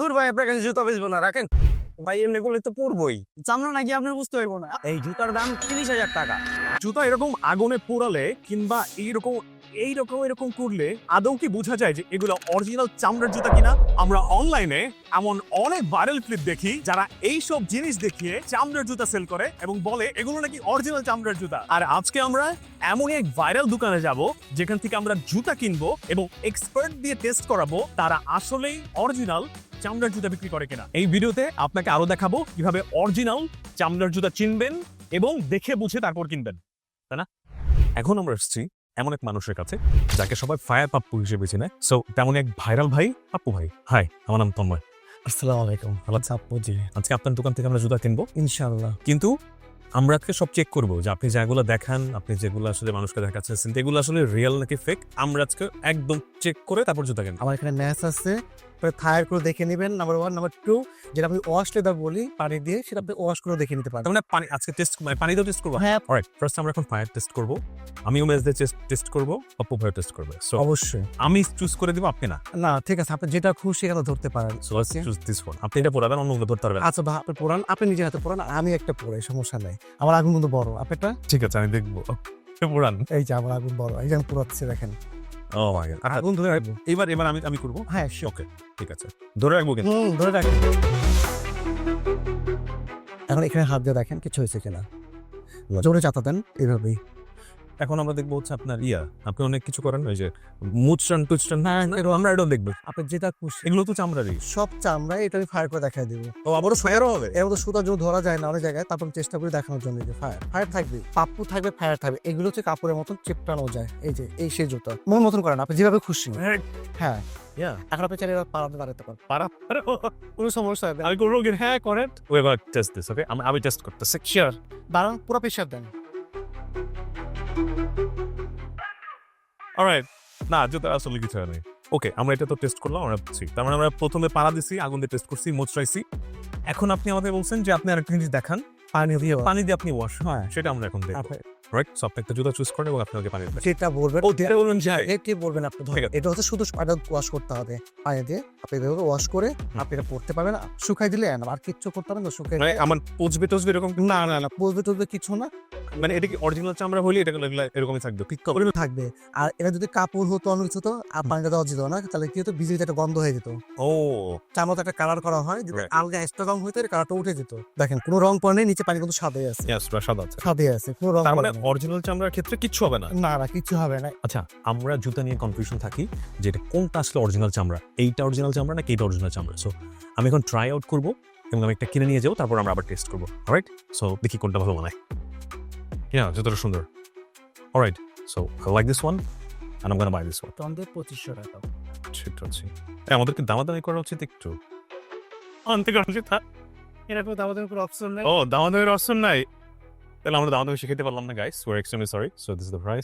তোর ভাই আপনার কাছে জুতা বেচবো না, রাখেন। ভাই এমনি করলে তো পরবই। চামড়া নাকি আপনার বুঝতে হইব না। এই জুতার দাম 30,000 টাকা। জুতা এরকম আগুনে পোড়ালে কিংবা এরকম করলে আদৌ কি বোঝা যায় যে এগুলো অরিজিনাল চামড়ার জুতা কিনা? আমরা অনলাইনে এমন অনেক ভাইরাল ক্লিপ দেখি যারা এইসব জিনিস দেখিয়ে চামড়ার জুতা সেল করে এবং বলে এগুলো নাকি অরিজিনাল চামড়ার জুতা। আর আজকে আমরা এমনই এক ভাইরাল দোকানে যাব যেখান থেকে আমরা জুতা কিনবো এবং এক্সপার্ট দিয়ে টেস্ট করাবো তারা আসলেই অরিজিনাল চামড়ার জুতা বিক্রি করে কিনা। এই ভিডিওতে আপনাকে আরো দেখাবো কিভাবে অরিজিনাল চামড়ার জুতা চিনবেন এবং দেখে বুঝে তারপর কিনবেন, তাই না? এখন আমরা এসেছি এমন এক মানুষের কাছে যাকে সবাই ফায়ার পাপ্পু হিসেবে চেনে। সো তেমন এক ভাইরাল ভাই, পাপ্পু ভাই। হাই, আমার নাম তন্ময়। আসসালামু আলাইকুম। ভালো আছেন? আপু জি, আজকে আপনার দোকান থেকে আমরা জুতা কিনবো, ইনশাআল্লাহ। কিন্তু আমরা আজকে সব চেক করবো যে আপনি যেগুলো দেখান, আপনি যেগুলো আসলে মানুষকে দেখাচ্ছেন এগুলো আসলে রিয়েল নাকি ফেক। আমরা আজকে একদম চেক করে তারপর জুতা কিনবো। আমার এখানে ম্যাচ আছে, ফায়ার করে দেখে নেবেন। নাম্বার 1, নাম্বার 2, যেটা আমি ওয়াশ লেদার বলি পানি দিয়ে, সেটা আপনি ওয়াশ করে দেখে নিতে পারেন। তার মানে পানি আজকে টেস্ট, মানে পানিতেও টেস্ট করবো। হ্যাঁ, অলরাইট, ফার্স্ট আমরা এখন ফায়ার টেস্ট করবো। আমিও ম্যাচ দিয়ে টেস্ট করবো, পাপ্পু ভাইও টেস্ট করবে। সো অবশ্যই। আমি চুজ করে দিব, আপনি না। না ঠিক আছে, আপনি যেটা খুশি সেটা ধরতে পারেন। So let's choose this one. আপনি এটা পড়াবেন, অন্যগুলো ধরতে পারবেন। আচ্ছা ভাই, আপনি পড়ান, আপনি নিজের হাতে পড়ান, আমি একটা পড়াই, সমস্যা নাই। আমার আগুন কিন্তু বড়, আপনারটা? ঠিক আছে, আমি দেখবো। পড়ান। এই যে আমার আগুন বড়, এই যে আমি পুরাচ্ছি, দেখেন। Oh my god. আগুন ধরে রাখবো। এবার আমি করবো। হ্যাঁ sure। ওকে, ঠিক আছে, ধরে রাখবো কিন্তু। ধরে রাখেন। এখন এখানে হাত দিয়ে দেখেন কিছু হয়েছে কিনা, জোরে চাতা দেন এইভাবেই। এখন আমরা দেখবো হচ্ছে আপনার আপনি অনেক কিছু করেন, ওই যে মুচটান টুচটান, আমরা এটাও দেখবো। আপনি যেটা খুশি, এগুলো তো চামড়ারই। সব চামড়া, এটা আমি ফায়ার করে দেখাই দিব। ও আবারও ফায়ারও হবে? এর মধ্যে সুতা যদি ধরা যায় না অনেক জায়গায়, তারপর চেষ্টা করে দেখানোর জন্য যে ফায়ার থাকবে, পাপ্পু থাকবে, ফায়ার থাকবে। এগুলো হচ্ছে কাপড়ের মতন চিপটানো যায়। এই যে এই সেই জুতা মন মতন করেন আপনি যেভাবে খুশি। হ্যাঁ, এখন আপনি চাইলে পাড়াতে দাঁড়াতে পারেন, পারা কোনো সমস্যা হবে না। আমি করবো কিন্তু। হ্যাঁ করেন। ওই এবার টেস্ট দিস। ওকে, আমি টেস্ট করতেছি। শিওর? দাঁড়ান, পুরো প্রেশার দেন। অলরাইট, না জুতা আসলে কিছু হয় নাই। ওকে, আমরা এটা তো টেস্ট করলাম, আমরা বুঝছি। তার মানে আমরা প্রথমে পাড়া দিছি, আগুন দিয়ে টেস্ট করছি, মোচড়াইছি। এখন আপনি আমাদের বলছেন যে আপনি আরেকটা জিনিস দেখান, পানি দিয়ে পানি দিয়ে আপনি ওয়াশ। হ্যাঁ, সেটা আমরা এখন দেখবো। আপনি রাইট, সো আপনি একটা জুতা চুজ করেন এবং আপনি ওকে পানি দেবেন। যেটা বলবেন, ও দিতে বলুন যাই। এটি বলবেন আপনি। ঠিক আছে। এটা হচ্ছে শুধু পানি ওয়াশ করতে হবে, পানি দিয়ে আপনি এভাবে ওয়াশ করে আপনি এটা পড়তে পারবেন। শুকাই দিলে আর কিচ্ছু করতে হবে না। শুকাই মানে আমার পচবে টচবে এরকম? না না না, বলবে টলবে কিছু না, মানে এটা কি অরিজিনাল চামড়া হলে এটা এরকমই থাকবে? ওরকম থাকবে। আর এটা যদি কাপড় হতো, অন্য কিছু হতো, আর পানিটা দেওয়া যেত না, তাহলে কি হতো, বিজলিতে একটা গন্ধ হয়ে যেত। ও চামড়াতে একটা কালার করা হয়, যদি Right. আলগা এক্সট্রা রং হইতো, কালারটা উঠে যেত। দেখেন কোনো রং পড়ে নেই, নিচে পানি কিন্তু সাদে আছে, ইয়েস, সাদা আছে। সাদে আছে, কোনো রং তার মানে পড়ে নেই। অরিজিনাল চামড়ার ক্ষেত্রে কিচ্ছু হবে না। না না, কিছু হবে না। আচ্ছা, আমরা জুতা নিয়ে কনফিউশন থাকি যে এটা কোনটা আসলে অরিজিনাল চামড়া, এইটা অরিজিনাল চামড়া নাকি এইটা অরিজিনাল চামড়া। সো আমি এখন ট্রাই আউট করবো এবং আমি একটা কিনে নিয়ে যাবো, তারপর আমরা আবার টেস্ট করবো। অলরাইট, সো দেখি কোনটা ভালো মানায়। জুতাটা সুন্দর। Alright, so I like this one and I am gonna buy this one. টন্ডে 2500 টাকা। ঠিক আছে, আমাদেরকে দামাদামি করা উচিত একটু। আনতে করা উচিত। এরকম দামাদামি কোনো অপশন নেই। ও, দামাদামির অপশন নাই? তাহলে আমরা দামাদামি শিখাতে পারলাম না guys. We are extremely sorry. So this is the price.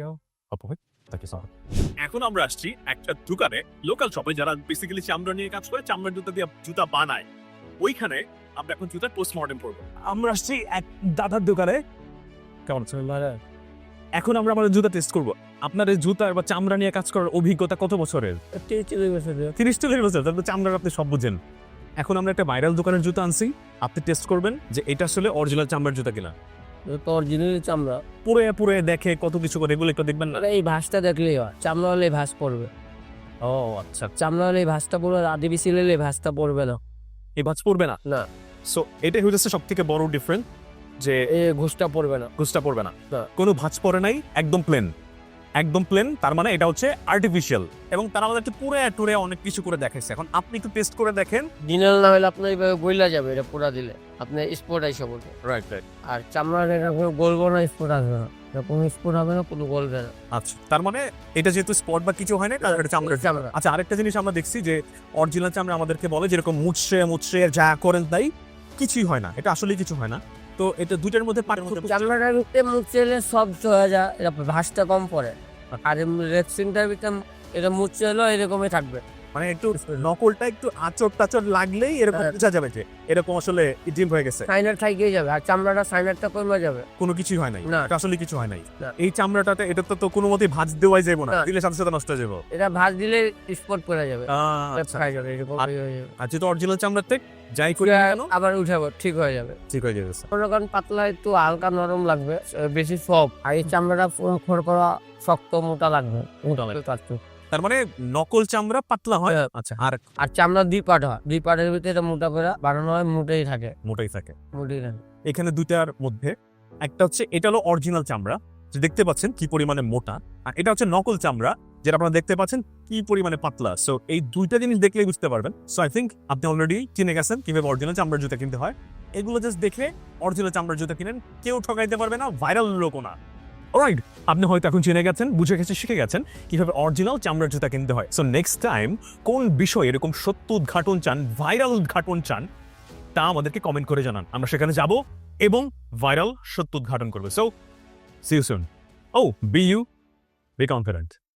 এখন আমরা আসছি একটা দোকানে, লোকাল শপে, যারা বেসিক্যালি চামড়া নিয়ে কাজ করে, চামড়ার জুতা দিয়ে জুতা বানায়। ওইখানে আমরা এখন জুতার পোস্টমর্টেম করবো। আমরা আসছি এক দাদার দোকানে। কেমন আছে? এখন আমরা আমাদের জুতা টেস্ট করবো। আপনার এই জুতার বা চামড়া নিয়ে কাজ করার অভিজ্ঞতা কত বছরের? 30-40 বছর। তাহলে চামড়ার আপনি সব বুঝেন। এখন আমরা একটা ভাইরাল দোকানের জুতা আনছি, আপনি টেস্ট করবেন যে এটা আসলে অরিজিনাল চামড়ার জুতা কিনা। তো অরিজিনাল চামড়া, পুরে পুরে দেখে কত কিছু করে, এগুলো একটু দেখবেন না? মানে এই ভাঁজটা দেখলেই হয়, চামড়া হলে ভাঁজ পড়বে। ও আচ্ছা, চামড়া হলে এই ভাঁজটা পড়বে, আদিবাসী হলে এই ভাঁজটা পড়বে না। এই বাজ পড়বে না। না, সো এটাই হচ্ছে সব থেকে বড় ডিফারেন্স, যে এই ঘুষটা পড়বে না। গুজটা পড়বে না, না। কোনো ভাঁজ পড়ে নাই, একদম প্লেন, একদম প্লেন। তার মানে এটা হচ্ছে আর্টিফিশিয়াল, এবং তারা আমাদেরকে পুরে টুরে অনেক কিছু করে দেখাইছে। এখন আপনি একটু টেস্ট করে দেখেন। দিনাল না হলে আপনার এইভাবে বইলা যাবে, এটা পোড়া দিলে আপনার স্পট আইসা বলবে। Right right. আর চামড়ার এটা কোনো গলবো না, স্পট আসবে না, কোনো স্পট হবে না, কোনো গলবে না। আচ্ছা, তার মানে এটা যেহেতু স্পট বা কিছু হয় না, তাহলে এটা চামড়ার চামড়া। আচ্ছা, আরেকটা জিনিস আমরা দেখছি যে অরিজিনাল চামড়া আমাদেরকে বলে যেরকম মুচড়ে যা করেন তাই, কিছুই হয় না। এটা আসলে কিছু হয় না। তো এটা দুইটার মধ্যে পার্থক্য। চামড়াটার ভিতরে মুচড়েলে সফট হয়ে যায়, এটা ভাঁজটা কম পড়ে। আর রেক্সিনটার ভিতরে এটা মুচড়েলেও এরকমই থাকবে, মানে একটু নকলটা একটু আচর টাচর লাগলেই এরকম হ্যাঁ। বোঝা যাবে যে এরকম আসলে ডিম হয়ে গেছে, সাইনার থাইকেই যাবে আর চামড়াটা সাইনারটা কমে যাবে। কোনো কিছুই হয় নাই, না। এটা আসলে কিছু হয় নাই। না। এই চামড়াটাতে এটা তো কোনো মতেই ভাঁজ দেওয়াই যাবে না, না। দিলে সাথে সাথে নষ্ট হয়ে যাবে। এটা ভাজ দিলে স্পট পড়ে যাবে, আচ্ছা, খাই যাবে, এরকম আর- হয়ে যাবে। আর যেহেতু অরিজিনাল চামড়াতে যাই করি না কেন আবার উঠাবো, ঠিক হয়ে যাবে। ঠিক হয়ে যাবে। মনে করেন পাতলা একটু হালকা নরম লাগবে, বেশি সফট। আর এই চামড়াটা খড়খড়া শক্ত মোটা লাগবে, মোটা লাগবে একটু। তার মানে নকল চামড়া পাতলা হয়, হ্যাঁ। আচ্ছা, আর আর চামড়া 2 পার্ট হয়, 2 পার্টের ভিতরে এটা মোটা করে বানানো হয়, মোটেই থাকে, মোটাই থাকে। মোটেই থাকে। এখানে দুইটার মধ্যে একটা হচ্ছে এটা হলো অরিজিনাল চামড়া, যে দেখতে পাচ্ছেন কি পরিমাণে মোটা, আর এটা হচ্ছে নকল চামড়া যেটা আপনারা দেখতে পাচ্ছেন কি পরিমাণে পাতলা। সো এই দুইটা জিনিস দেখলেই বুঝতে পারবেন। সো আই থিঙ্ক আপনি অলরেডি চিনে গেছেন কিভাবে অরিজিনাল চামড়ার জুতা কিনতে হয়। এগুলো জাস্ট দেখে অরিজিনাল চামড়ার জুতা কিনেন, কেউ ঠকাইতে পারবে না, ভাইরাল লোকও না। অলরাইট, আপনি হয়তো এখন চিনে গেছেন, বুঝে গেছেন, শিখে গেছেন কিভাবে অরিজিনাল চামড়ার জুতা কিনতে হয়। সো নেক্সট টাইম কোন বিষয় এরকম সত্য উদ্ঘাটন চান, ভাইরাল উদ্ঘাটন চান, তা আমাদেরকে কমেন্ট করে জানান, আমরা সেখানে যাব এবং ভাইরাল সত্য উদ্ঘাটন করবো। So see you soon. Oh be you, be confident.